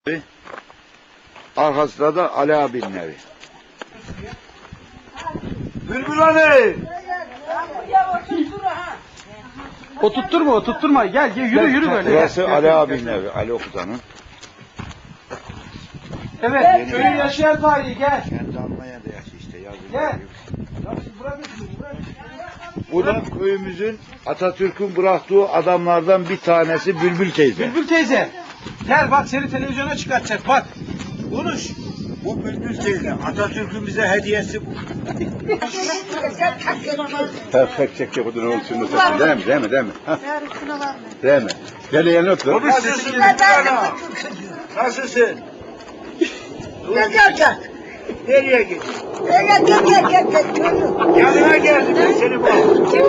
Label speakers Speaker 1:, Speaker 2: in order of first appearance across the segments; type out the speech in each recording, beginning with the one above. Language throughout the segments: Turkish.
Speaker 1: Arkasında da Ali abinin evi. Bülbül hani?
Speaker 2: Oturtturma. Gel yürü böyle.
Speaker 1: Burası Ali abinin evi. Ali Okutan'ın.
Speaker 2: Evet, köyün yaşayan tarihi gel.
Speaker 1: Kendi Almanya'da yaşıyor işte.
Speaker 2: Gel.
Speaker 1: Bu da köyümüzün Atatürk'ün bıraktığı adamlardan bir tanesi Bülbül teyze.
Speaker 2: Bülbül teyze. Gel bak seni televizyona çıkartacak bak. Konuş.
Speaker 1: Bu Bülbül teyze. Atatürk'ün bize hediyesi bu. Çek odun olsun. Değil mi? Ha? Değil mi? Gel yanına otur. Nasılsın? Nereye gidiyorsun? Yanına geldim ben seni bak.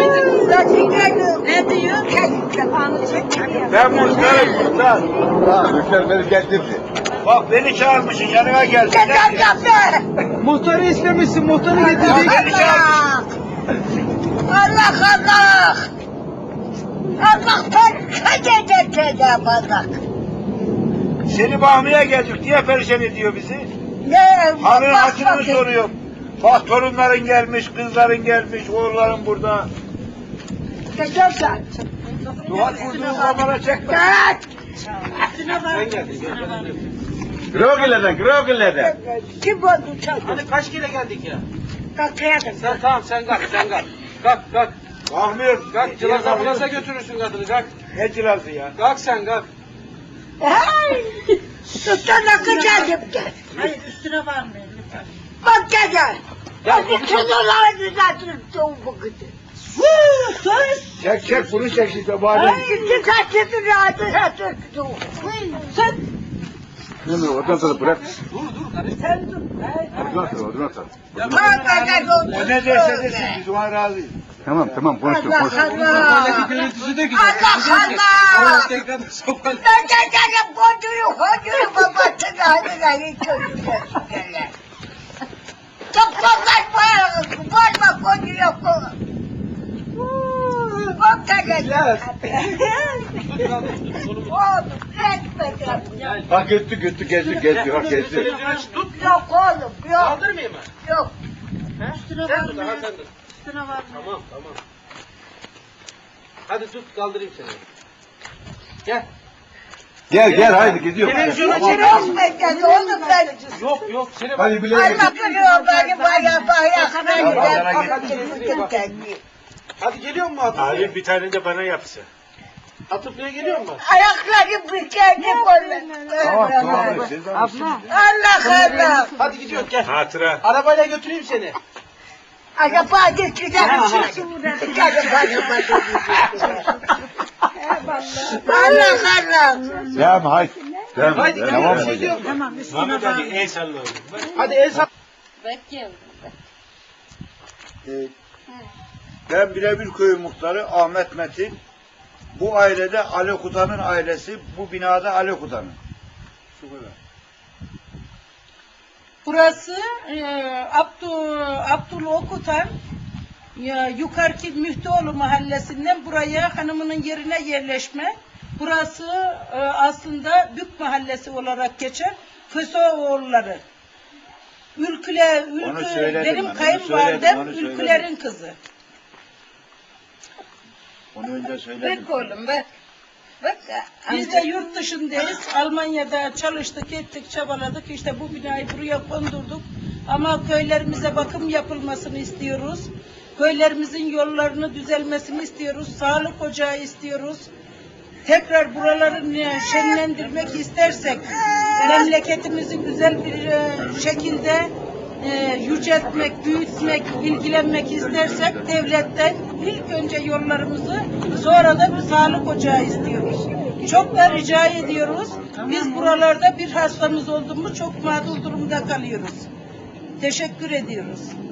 Speaker 3: Ne diyor?
Speaker 1: Ben muhtarım. Muhtar beni getirdi. Bak beni çağırmışsın yanına geldim.
Speaker 2: Muhtarı istemişsin, muhtarı getirdik.
Speaker 1: Beni çağırmışsın.
Speaker 3: Allah! Allah'tan kecede bak.
Speaker 1: Seni bakmaya geldik diye perişan ediyor bizi.
Speaker 3: Ne?
Speaker 1: Hanın hatırını soruyor. Bak torunların gelmiş, kızların gelmiş, oğulların burada.
Speaker 3: Geçersen.
Speaker 1: Duvar vurduğun zamana çekme.
Speaker 2: Sen geldin.
Speaker 1: Grogilerden.
Speaker 3: Kim oldu sen?
Speaker 2: Hani kaç kere geldik ya?
Speaker 3: Kalkayadım.
Speaker 2: Sen kalk. Kalk.
Speaker 1: Kalkmıyor.
Speaker 2: Kalk, Cilaza götürürsün kadını, kalk.
Speaker 1: Ne cilası ya?
Speaker 2: Kalk sen, kalk.
Speaker 3: Hey! Tutana kaçadım gel.
Speaker 4: Hayır üstüne var mı?
Speaker 3: Bak gel.
Speaker 2: Gel,
Speaker 3: Çınırları zaten soğuk gitti. Sus!
Speaker 1: Çek bunu çek işte bari.
Speaker 3: Şimdi kaçırdın rahatı satırdı. Sen
Speaker 1: Oradan sonra bırak.
Speaker 2: Dur kardeşim.
Speaker 3: sen dur.
Speaker 1: Oradan sonra.
Speaker 3: Bak
Speaker 1: O ne derse desin biz ona razıyız. Tamam konuştum.
Speaker 2: Sokaktaki görüntüsü de güzel.
Speaker 3: Allah!
Speaker 2: Tekrar sokak.
Speaker 3: Ben gel kocuyu babasını hadi çocuklar. Çok fazla kocuyu bak gel. Oğlum etmedi.
Speaker 1: Bak götü geziyor.
Speaker 2: Tut.
Speaker 3: Yok oğlum yok.
Speaker 2: Kaldırmayayım mı?
Speaker 3: Yok.
Speaker 4: Üstüne
Speaker 2: Sen
Speaker 4: var
Speaker 2: tut,
Speaker 4: mı?
Speaker 2: sen tut.
Speaker 4: Üstüne var mı?
Speaker 2: Tamam. Hadi tut, kaldırayım seni. Gel
Speaker 1: haydi gidiyor.
Speaker 2: Televizyona
Speaker 3: Yok etmedi oğlum ben.
Speaker 2: Yok seni bak.
Speaker 1: Hadi bile
Speaker 3: Allah kırıyor beni bayağı.
Speaker 2: Hadi geliyor mu Atıf?
Speaker 1: Abi bir tane de bana yapsa.
Speaker 2: Atıf Bey'e geliyor mu?
Speaker 3: Ayakları bükerdi
Speaker 1: Tamam.
Speaker 3: Allah.
Speaker 2: Hadi gidiyoruz gel.
Speaker 1: Hatıra.
Speaker 2: Arabayla götüreyim seni.
Speaker 3: Acaba geçeceğim. Allah.
Speaker 1: Devam haydi.
Speaker 2: Haydi
Speaker 1: Devam
Speaker 2: gidiyoruz.
Speaker 1: edeceğiz.
Speaker 4: Tamam üstüne var mı?
Speaker 1: El sallayalım.
Speaker 2: Hadi el sal.
Speaker 1: Ben Birebir Köyü Muhtarı Ahmet Metin. Bu ailede Ali Okutan'ın ailesi, bu binada Ali Okutan'ın. Şu kadar.
Speaker 4: Burası Abdullah Okutan yukarıki Müftüoğlu mahallesinden buraya hanımının yerine yerleşme. Burası aslında Bük mahallesi olarak geçer. Köseoğulları. Benim kayınvalidem Ülküler'in kızı.
Speaker 1: Onu önce söyledim.
Speaker 3: Bak oğlum bak.
Speaker 4: Biz de yurt dışındayız. Almanya'da çalıştık, ettik, çabaladık. İşte bu binayı buraya kondurduk. Ama köylerimize bakım yapılmasını istiyoruz. Köylerimizin yollarını düzelmesini istiyoruz. Sağlık ocağı istiyoruz. Tekrar buraları şenlendirmek istersek, memleketimizi güzel bir şekilde yüceltmek, büyütmek, ilgilenmek istersek devletten ilk önce yollarımızı, sonra da bir sağlık ocağı istiyoruz. Çok da rica ediyoruz. Biz buralarda bir hastamız oldu mu çok mağdur durumda kalıyoruz. Teşekkür ediyoruz.